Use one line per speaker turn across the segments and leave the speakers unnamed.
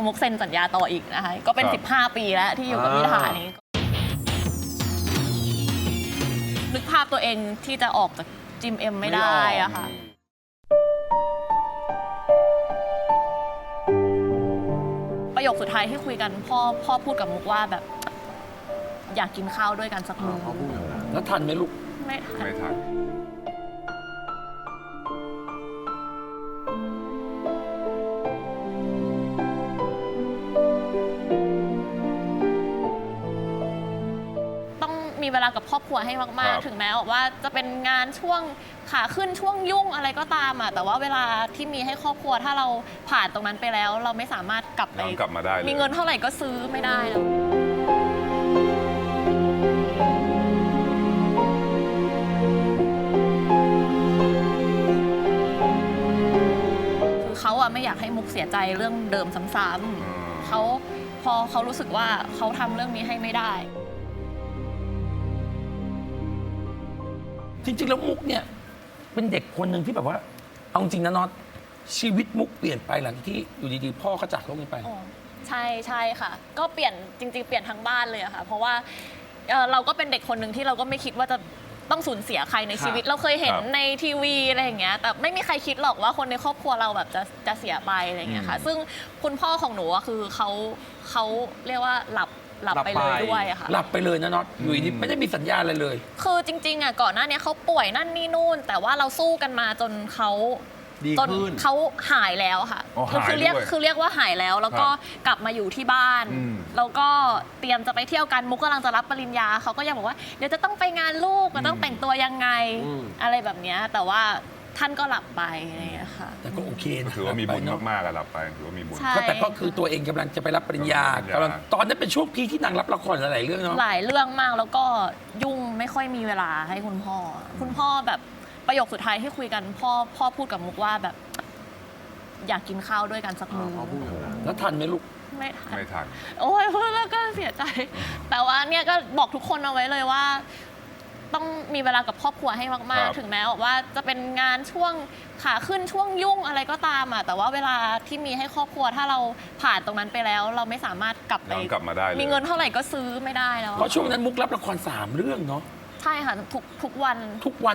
มุกเซ็นสัญญาต่ออีกนะคะก็เป็น15 ปีแล้วที่อยู่กับพิธานี้นึกภาพตัวเองที่จะออกจากจิมเอ็มไม่ได้อะค่ะประโยคสุดท้ายที่คุยกันพ่อพูดกับมุกว่าแบบอยากกินข้าวด้วยกันสักมื้อ
แล้วทันไหมลูก
ไม่ทันมีเวลากับครอบครัวให้มากๆถึงแม้ว่าจะเป็นงานช่วงขาขึ้นช่วงยุ่งอะไรก็ตามแต่ว่าเวลาที่มีให้ครอบครัวถ้าเราผ่านตรงนั้นไปแล้วเราไม่สามารถกลับ
มาได้
มีเงินเท่าไหร่ก็ซื้อไม่ได้แล้วคือเขาไม่อยากให้มุกเสียใจเรื่องเดิมซ้ำๆพอเขารู้สึกว่าเขาทำเรื่องนี้ให้ไม่ได้
จริงๆแล้วมุกเนี่ยเป็นเด็กคนหนึ่งที่แบบว่าเอาจริงนะน็อตชีวิตมุกเปลี่ยนไปหลังที่อยู่ดีๆพ่อเขาจากโลกนี้ไป
ใช่ค่ะก็เปลี่ยนจริงๆเปลี่ยนทั้งบ้านเลยอะค่ะเพราะว่าเราก็เป็นเด็กคนหนึ่งที่เราก็ไม่คิดว่าจะต้องสูญเสียใครในชีวิตเราเคยเห็นในทีวีอะไรอย่างเงี้ยแต่ไม่มีใครคิดหรอกว่าคนในครอบครัวเราแบบจะเสียไปอะไรอย่างเงี้ยค่ะซึ่งคุณพ่อของหนูคือเขาเรียกว่าหลับไปเลยด้วยอะค่ะ
หลับไปเลยนะน็อตอยู่ดีไม่ได้มีสัญญาอะไรเลย
คือจริงๆก่อนหน้านี้เขาป่วยนั่นนี่นู่นแต่ว่าเราสู้กันมาจนเขาหายแล้วค่ะคือเรียกว่าหายแล้วแล้วก็กลับมาอยู่ที่บ้านแล้วก็เตรียมจะไปเที่ยวกันมุกกำลังจะรับปริญญาเขาก็ยังบอกว่าเดี๋ยวจะต้องไปงานลูกมันต้องแต่งตัวยังไงอะไรแบบนี้แต่ว่าท่านก็หลับไปอะไรอย่างเงี้ยค่ะ
แต่ก็โอเคนะ
ถือว่ามีบุญมากๆหลับไปถือว่ามีบุญ
แต่ก็คือตัวเองกำลังจะไปรับปริญญาตอนนั้นเป็นช่วงพีที่นางรับละครหลายเรื่องเนาะ
หลายเรื่องมากแล้วก็ยุ่งไม่ค่อยมีเวลาให้คุณพ่อแบบประโยคสุดท้ายที่คุยกันพ่อพูดกับมุกว่าแบบอยากกินข้าวด้วยกันสักมื้อ
แล้วทันไหมลูก
ไม่ทันโอ้ยพูดแล้วก็เสียใจแต่ว่าเนี่ยก็บอกทุกคนเอาไว้เลยว่าต้องมีเวลากับครอบครัวให้มากๆถึงแม้ว่าจะเป็นงานช่วงขาขึ้นช่วงยุ่งอะไรก็ตามแต่ว่าเวลาที่มีให้ครอบครัวถ้าเราผ่านตรงนั้นไปแล้วเราไม่สามารถกลับ
มาได้
มีเงินเท่าไหร่ก็ซื้อไม่ได้แล้ว
เพราะช่วงนั้นมุกรับละคร3 เรื่องเนาะ
ใช่ค่ะทุกวัน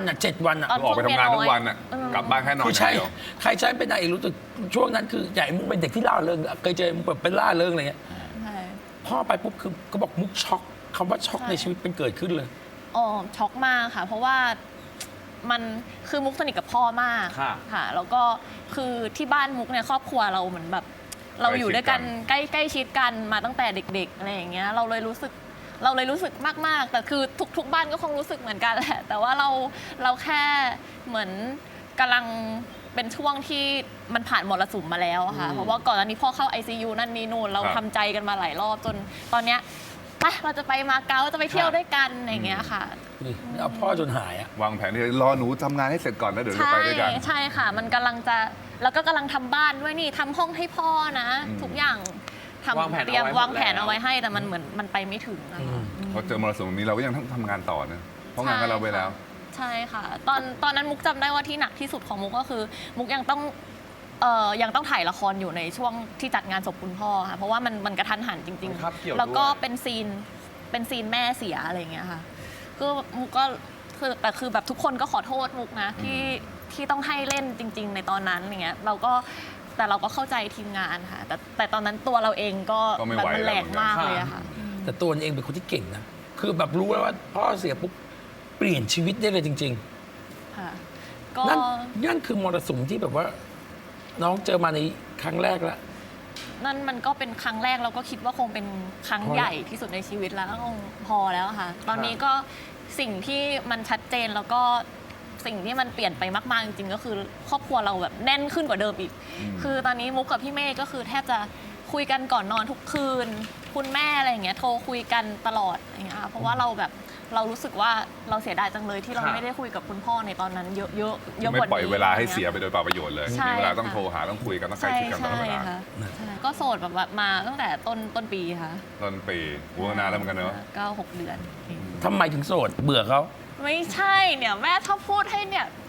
7 วัน
ออกไปทำงานทุกวันกลับบ้านแค่นอน
ใช่ใครใช้เป็นนายเอกรู้สึกช่วงนั้นคือใหญ่มุกเป็นเด็กที่ล่าเริงเคยเจอมุกแบบเป็นล่าเริงอะไรเงี้ยพ่อไปปุ๊บคือก็บอกมุกช็อกคำว่าช็อกในชีวิตเป็นเกิดขึ้นเลย
ช็อกมากค่ะเพราะว่ามันคือมุกสนิทกับพ่อมากค่ะแล้วก็คือที่บ้านมุกเนี่ยครอบครัวเราเหมือนแบบเราอยู่ด้วยกันใกล้ชิดกันมาตั้งแต่เด็กๆอะไรอย่างเงี้ยเราเลยรู้สึกมากๆแต่คือทุกบ้านก็คงรู้สึกเหมือนกันแหละแต่ว่าเราแค่เหมือนกำลังเป็นช่วงที่มันผ่านมรสุมมาแล้วค่ะเพราะว่าก่อนหน้านี้พ่อเข้า ICU นั่นนี่นู่นเราทำใจกันมาหลายรอบจนตอนเนี้ยเราจะไปมาเก๊าจะไปเที่ยวด้วยกันอย่างเงี้ยค่ะ
เอาพ่อจนหาย
วางแผนที่รอหนูทำงานให้เสร็จก่อนแล้วเดี๋ยวจะไปด้วยกัน
ใช่ค่ะมันกำลังจะแล้วก็กำลังทำบ้านด้วยนี่ทำห้องให้พ่อนะทุกอย่างเตรียมวางแผนเอาไว้ให้แต่มันเหมือนมันไปไม่ถึง
พอเจอมรสุมนี้เราก็ยังต้องทำงานต่อนะเพราะงานเราไปแล้ว
ใช่ค่ะตอนนั้นมุกจำได้ว่าที่หนักที่สุดของมุกก็คือมุกยังต้องถ่ายละครอยู่ในช่วงที่จัดงานศพคุณพ่อค่ะเพราะว่ามันกระทันหันจริงๆแล้วก็เป็นซีนแม่เสียอะไรอย่างเงี้ยค่ะคือมุกก็คือแต่คือแบบทุกคนก็ขอโทษมุกนะที่ต้องให้เล่นจริงๆในตอนนั้นอย่างเงี้ยเราก็เข้าใจทีมงานค่ะแต่ตอนนั้นตัวเราเองก็แบบมันแหลกมากเลยอะค่ะ
แต่ตัวเองเป็นคนที่เก่งนะคือแบบรู้แล้วว่าพ่อเสียปุ๊บเปลี่ยนชีวิตได้เลยจริงๆ
ค่ะ
นั่นคือมรสุมที่แบบว่าน้องเจอมาในครั้งแรกแล้ว
นั่นมันก็เป็นครั้งแรกเราก็คิดว่าคงเป็นครั้งใหญ่ที่สุดในชีวิตแล้วก็คงพอแล้วค่ะตอนนี้ก็สิ่งที่มันชัดเจนแล้วก็สิ่งที่มันเปลี่ยนไปมากๆจริงๆก็คือครอบครัวเราแบบแน่นขึ้นกว่าเดิมอีกคือตอนนี้มุกกับพี่เมฆก็คือแทบจะคุยกันก่อนนอนทุกคืนคุณแม่อะไรอย่างเงี้ยโทรคุยกันตลอดอย่างเงี้ยเพราะว่าเรารู้สึกว่าเราเสียดายจังเลยที่เราไม่ได้คุยกับคุณพ่อในตอนนั้นเยอะกว่า
นี้ไม่ปล่อยเวลาให้เสียไปโดยเปล่าประโยชน์เลยมีเวลาต้องโทรหาต้องคุยกันต้องใกล้ชิดกันตลอดเวลา
ก็โสดแบบมาตั้งแต่ต้นปีค่ะ
ต้นปีนานแล้วเหมือนกันเนอะ
6 เดือน
ทำไมถึงโสดเบื่อเขา
ไม่ใช่เนี่ยแม่ชอบพูดให้เนี่ย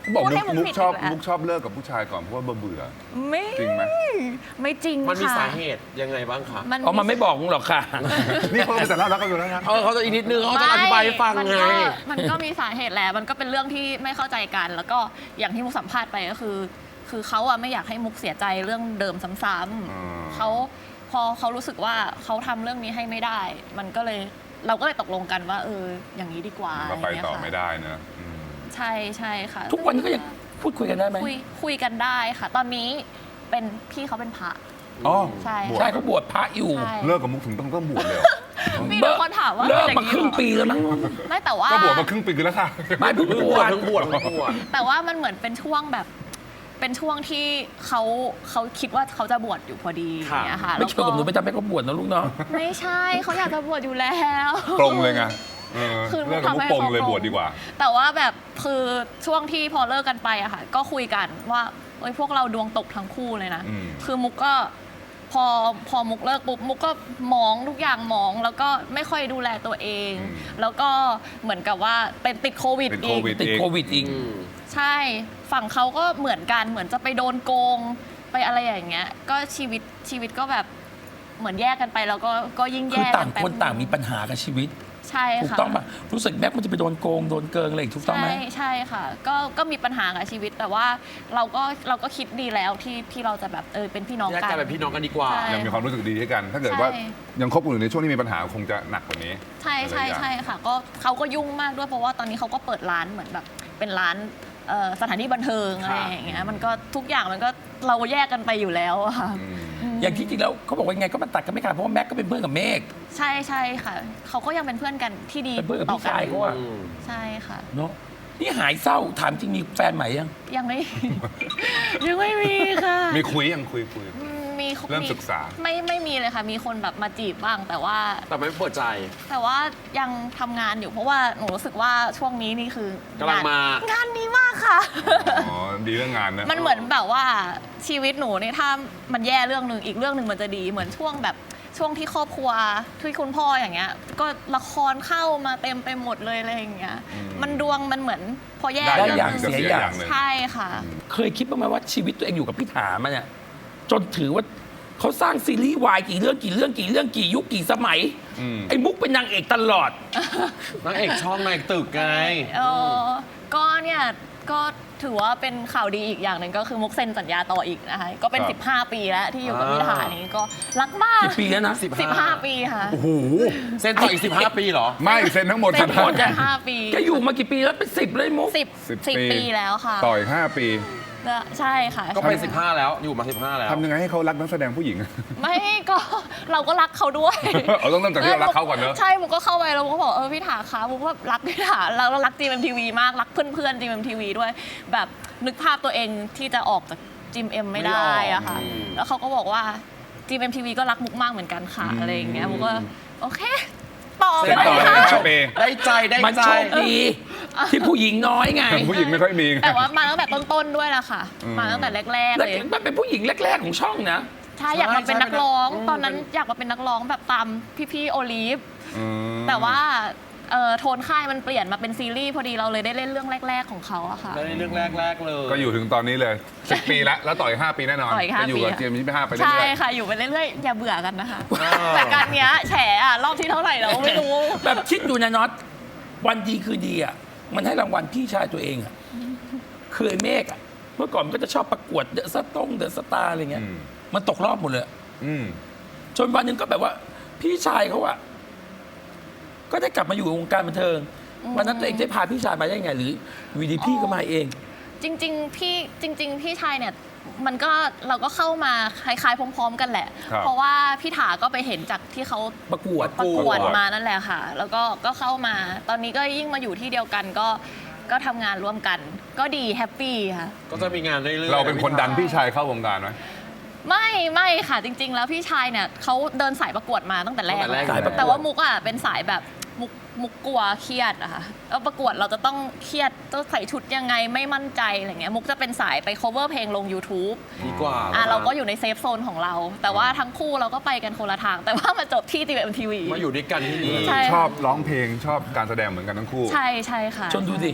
บอก
พูดให้
มุก
ผิด
ชอบ
อีกแล้ว
มุกชอบเลิกกับผู้ชายก่อนเพราะว่าเบื่อ
ไม่
จริงไหม
ไม่จริง
มันมี
ค่ะ
สาเหตุยังไงบ้างคะ
อ๋อมันไม่บอกหรอกค่ะ
นี่เขาเป็นแต่น่ารักกันอยู่แล้วนะ
เขาจะอีกนิดนึงเขาจะอธิบายให้ฟัง
มัน
ไง
ก็มีสาเหตุแหละมันก็เป็นเรื่องที่ไม่เข้าใจกัน แล้วก็อย่างที่มุกสัมภาษณ์ไปก็คือเขาอะไม่อยากให้มุกเสียใจเรื่องเดิมซ้ำๆเขาพอเขารู้สึกว่าเขาทำเรื่องนี้ให้ไม่ได้ มันก็เลยเราก็เลยตกลงกันว่าอย่างนี้ดีกว่า
เราไปต่อ
อะร
ไม่
เงี้ยค่ะ
ได้นะ
ใช่ใช่ค่ะ
ทุกวันนี้ก็ยังพูดคุยกันได้ไหม
คุยกันได้ค่ะ ตอนนี้เป็นพี่เขาเป็นพระ
อ๋อ
ใช่
บวช
ใช่เขาบวชพระอยู่
ใช่
เลิกกับมุกถึงต้องบวชเลยเหรอ
มีบางคนถามว่า
เลิก
อย่
มาครึ่งปีแล้วมั้ง
ไม่แต่ว่า
ก็บวชมาครึ่งปีแล้วค่ะ
ไม่เพิ่งบวช
ทั้งบวชทั้งบวช
แต่ว่ามันเหมือนเป็นช่วงแบบเป็นช่วงที่เขาคิดว่าเขาจะบวชอยู่พอดีอย่างเงี้ยค่ะ
ไม่เกี่ยวกับหนูไปทำให้เขาบวชนะลูกเนาะ
ไม่ใช่เขาอยากจะบวชอยู่แล้ว
ปรงเลยไง
คือ
เลิกกับมุกปรงเลยบวชดีกว่า
แต่ว่าแบบคือช่วงที่พอเลิกกันไปอะค่ะก็คุยกันว่าพวกเราดวงตกทั้งคู่เลยนะ คือมุกก็พอมุกเลิกปุ๊บมุกก็มองทุกอย่างมอง แล้วก็ไม่ค่อยดูแลตัวเอง แล้วก็เหมือนกับว่าเป็นติดโควิด
ติด
อี
โค
ก
วิด
ติดโควิดอีก
ใช่ฝั่งเขาก็เหมือนกันเหมือนจะไปโดนโกงไปอะไรอย่างเงี้ยก็ชีวิตก็แบบเหมือนแยกกันไปแล้วก็ยิ่ง
คือ
แย่
ต่าง
กัไป
คนต่างมีปัญหากับชีวิต
ใช่
ถูก
ค่ะ
ต้องป่ะรู้สึกแม็กมันจะไปโดนโกงโดนเกิงอะไรอีกถูกต้องไหม
ใช่ค่ะก็มีปัญหากับชีวิตแต่ว่าเราก็คิดดีแล้วที่เราจะแบบเป็นพี่น้อง
แยก
กั
กัน
น
เป็นพี่น้องกันดีกว่า
ใช่
ยังมีความรู้สึกดีให้กัน ถ้าเกิดว่า
ใช่
ยังคบกันอยู่ในช่วงที่มีปัญหาคงจะหนักกว่านี้
ใช่ค่ะก็เขาก็ยุ่งมากด้วยเพราะว่าตอนนี้เขาก็เปิดร้านเหมือนแบบเป็นร้านสถานที่บันเทิงอะไรอย่างเงี้ยมันก็ทุกอย่างมันก็เราแยกกันไปอยู่แล้วอะค่ะ
อย่างที่จริงแล้วเขาบอกว่ายังไงก็มันตัดกันไม่ขาดเพราะว่าแม็กก็เป็นเพื่อนกับเมฆ
ใช่ค่ะเขาก็ยังเป็นเพื่อนกันที่ดี
เป็นเพื่อนกับ
ต่อ
พี่
กั
ชายเขาอะ
ใช่ค่ะ
เนาะนี่หายเศร้าถามจริงมีแฟนใหม่ยัง
ยังไม่ ยังไม่มีค่ะ
มีคุยยังคุย
มี
เริ่มศึกษา
ไม่มีเลยค่ะ มีคนแบบมาจีบบ้าง แต่ว่า
แต่ไม่เปิดใจ
ยังทำงานอยู่เพราะว่าหนูรู้สึกว่าช่วงนี้นี่คือก
ำลังมาง
านดีมากค่ะ
อ๋อ ดีเรื่องงานนะ
มันเหมือนแบบว่าชีวิตหนูเนี่ยถ้ามันแย่เรื่องหนึ่งอีกเรื่องหนึ่งมันจะดีเหมือนช่วงที่ครอบครัวที่คุณพ่ออย่างเงี้ย ก็ละครเข้ามาเต็มไปหมดเลยอะไรอย่างเงี้ยมันดวงมันเหมือนพอแย่
ได้
เรื่
อย่าง
หนึ่
เสียอย่าง
ใช่ค่ะ
เคยคิดบ้างไหมว่าชีวิตตัวเองอยู่กับพี่ถามาเนี่ยจนถือว่าเขาสร้างซีรีส์วายกี่เรื่องกี่ยุคกี่สมัยไอ้มุกเป็นนางเอกตลอด
นางเอกช่องนางเอกตึกไง
ก็เนี่ยก็ถือว่าเป็นข่าวดีอีกอย่างหนึ่งก็คือมุกเซ็นสัญญาต่ออีกนะคะก็เป็น 15 ปีแล้วที่อยู่กับพี่ถานี้ก็รักมาก
กี่ปีแล้วนะ
15 ปีค่ะ
โอ้โห เซ็นต่ออีก 15 ปีเหรอ
ไม่เซ็นทั้งหมด
เซ็นหมด
15
15 ปี
แกอยู่มากี่ปีแล้วเป็น10เลยมุก
10 ปีแล้วค่ะ
ต่ออีก5 ปี
ใช่ค่ะ
ก็เป็น 15 แล้ว อยู่มา 15 แล้ว
ทำยังไงให้เขารักนักแสดงผู้หญิง
ไม่ก็เราก็รักเขาด้วย
เอาต้องเริ่มจากที่เรารักเขาก่อนเนอะ
ใช่มุกก็เข้าไปแล้วมุกก็บอกพี่ถาคะมุกว่ารักพี่ถาเรารัก GMMTV มากรักเพื่อนๆ GMMTV ด้วยแบบนึกภาพตัวเองที่จะออกจาก GMM ไม่ได้อะค่ะ แล้วเขาก็บอกว่า GMMTV ก็รักมุกมากเหมือนกันค่ะอะไรอย่างเงี้ยมุกก็โอเคต่อ
เซ็นต่อ
เล
เลย
ย
นะ
ค่ะ
5 ปี
ได้ใจได้
มัน
ใจ
โชคดีที่ผู้หญิงน้อยไง
ผู้หญิงไม่ค่อยมีไง
แต่ว่ามาตั้งแต่ต้นๆด้วยล่ะค่ะ มาตั้งแต่แรกๆ
แล้ว
เลย
มันเป็นผู้หญิงแรก ๆของช่องนะ
ใช่อยากมาเป็นนักร้อง ตอนนั้นอยากมาเป็นนักร้องแบบตามพี่ๆโอลิฟ แต่ว่าโทนค่ายมันเปลี่ยนมาเป็นซีรีส์พอดีเราเลยได้เล่นเรื่องแรก ๆของเขาอะค่ะ
ได้เรื่องแรก ๆ เลย
ก็อยู่ถึงตอนนี้เลย10 ปีแล้วต่ออีก5 ปีแน่นอน
ต่ออีก5
จะอยู่กับ
ปี
เจมส์25ไปเรื่
ใช่
อย
ค่ะ อยู่ไปเรื่อยๆ อย่าเบื่อกันนะคะ
อ
แต่การเนี้ยแฉอะรอบที่เท่าไหร่เราไม่รู้
แบบคิดดูนะน็อตวันดีคือดีอ่ะมันให้รางวัลพี่ชายตัวเองอ่ะคือไอ้เมฆอ่ะเมื่อก่อนมันก็จะชอบประกวดเดอะสตาร์อะไรเงี้ยมันตกรอบหมดเลย จนวันหนึ่งก็แบบว่า พี่ชายเขาอ่ะก็ได้กลับมาอยู่ในวงการบันเทิงวันนั้นตัวเองได้พาพี่ชายมาได้ไงหรือวีดีพี่ก็มาเอง
จริงๆพี่ชายเนี่ยมันก็เราก็เข้ามาคล้ายๆพร้อมๆกันแหละ
ครับ
เพราะว่าพี่ถาก็ไปเห็นจากที่เขา
ประกวด
ประกวดมานั่นแหละค่ะ แล้วก็เข้ามา ตอนนี้ก็ยิ่งมาอยู่ที่เดียวกันก็ทำงานร่วมกัน ก็ดีแฮปปี้ค่ะ
ก็จะมีงานเรื่อยๆ
เราเป็นคนดันพี่ชายเข้าวงการไหม
ไม่ค่ะจริง ๆ แล้วพี่ชายเนี่ยเขาเดินสายประกวดมาตั้งแต่แรก
สายประกวด
แต่ว่ามุกอ่ะเป็นสายแบบมุกกลัวเครียดอะค่ะแล้วประกวดเราจะต้องเครียดต้องใส่ชุดยังไงไม่มั่นใจอะไรเงี้ยมุกจะเป็นสายไป cover เพลงลง YouTube
ดีกว่า
เราก็อยู่ในเซฟโซนของเรา แต่ว่าทั้งคู่เราก็ไปกันคนละทาง แต่ว่ามาจบที่ GMMTV
มาอยู่ด้วยกันที่นี่
ใช่
ชอบร้องเพลงชอบการแสดงเหมือนกันทั้งคู่
ใช่ค่ะ
จนดูดิ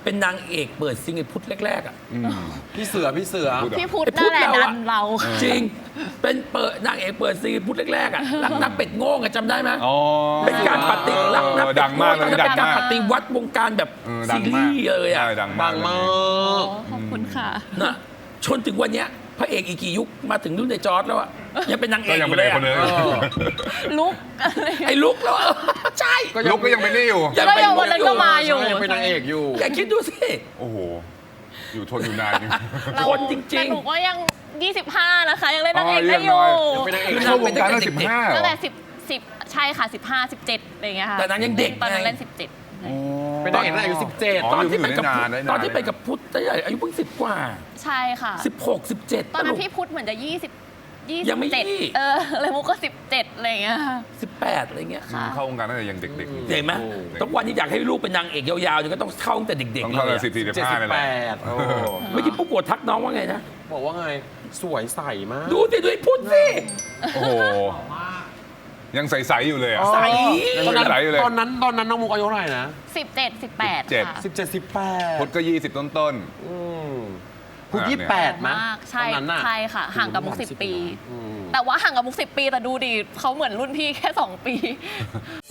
เป็นนางเอกเปิดซิงไอ้พุทธแรกๆอ่ะ
พี่เสือ
พูดเหรอ
พี่พุทธนั่นแหละดันเรา
จริงเป็นเปิดนางเอกเปิดซิงไอ้พุทธแรกๆอ่ะรักนักเป็ดโง่อะจำได้ไหม
อ๋อ
เป็นการปฏิรักนักเป็
ดั
ด
ง
โง่
มากเลย
เป็น
ดัง
การ
มาก
ปฏิวัติวงการแบบ
ดั
ซี
ง
รี
มาก
ส์เลยอ่ะ
ใช่ดังมาก
ดังมาก
ขอบคุณค่ะ
นะชนถึงวันเนี้ยพระเอกอีกกี่ยุคมาถึงรุ่นในจอร์ดแล้วอ่ะยังเป็นนางเอ
ก็
กอ
ยัง
ยู่
เป็น
เล
เอย กคน
อะ
นึง
ลุกอะไร
ไอ้ลุกแล้วใช่
ลุกก็ยังเป็นนี่อยู่
ยัง
ก็
เป็น
ยังวันนั้นก็มาอยู่
ยังเป็นนางเอกอยู่
อย่าคิดดูสิ
โอ้โห อยู่ทนอยู่นานจริง
เรา
คนจริงๆ
แต่หนูก็ยัง 25 นะคะ ยังเล่นนางเอกได้อยู่
ยังเป็นนางเอก
คือ
เข้าวงการตั้ง
เด็กๆ
15เหร
ตั้
อง
แต่10ใช่ค่ะ 15 17อะไรอย่างเงี้ยค่ะ
แต่นางยังเด็ก
ตอนนั้น
ไง
เล่น 17
เป็นนางเอกตั้งแต่อายุ17
อ๋อ
ตอนที่ไปกับ
อยู่ได้นานได้นาน
ตอนที่ไปกับพุทธอายุเพิ่ง10 กว่า
ใช่ค่ะ
16 17
ตอนนั้นพี่พุทธเหมือนจะ20
ยังไม่ยี่
27เลยมุกก็ 17อะไรอย่างเงี้ยค่ะ
18อะไรเงี้ย
ค่ะ
เข้าวงการตั้งแต่ยังเด็กๆอยู่
เห็นไหมทุกวันนี้อยากให้ลูกเป็นนางเอกยาวๆเนี่ยก็ต้องเข้าตั้งแต่เด็ก
ต้อง
ๆ
เข้า
เล
เลย ย
อะ
14 15นี่แหละ
78โอ้
เมื่อกี้ปุ๊กโกรธทักน้องว่าไงนะ
บอกว่าไง สวยใสมาก
ดูสิดูไอ้พุทธสิ
โอ้โห ยังใสๆอยู่เลยอ่ะ
ใส
ตอนนั้น
ใสอยู่เลย
ตอนนั้นน้องมุกอายุเท่าไหร่นะ
17 18 ค่ะ
17 18
พุทธก็ 20 ต้น
พุทธ
เนี่ย
28
มากใช่
ตอนนั้นน่ะ
ใช่ค่ะ ห่างกับมุก
โอ้โห
10 ปี
อืม
แต่ว่าห่างกับมุก 10 ปี แต่ดูดิเขาเหมือนรุ่นพี่แค่ 2 ปี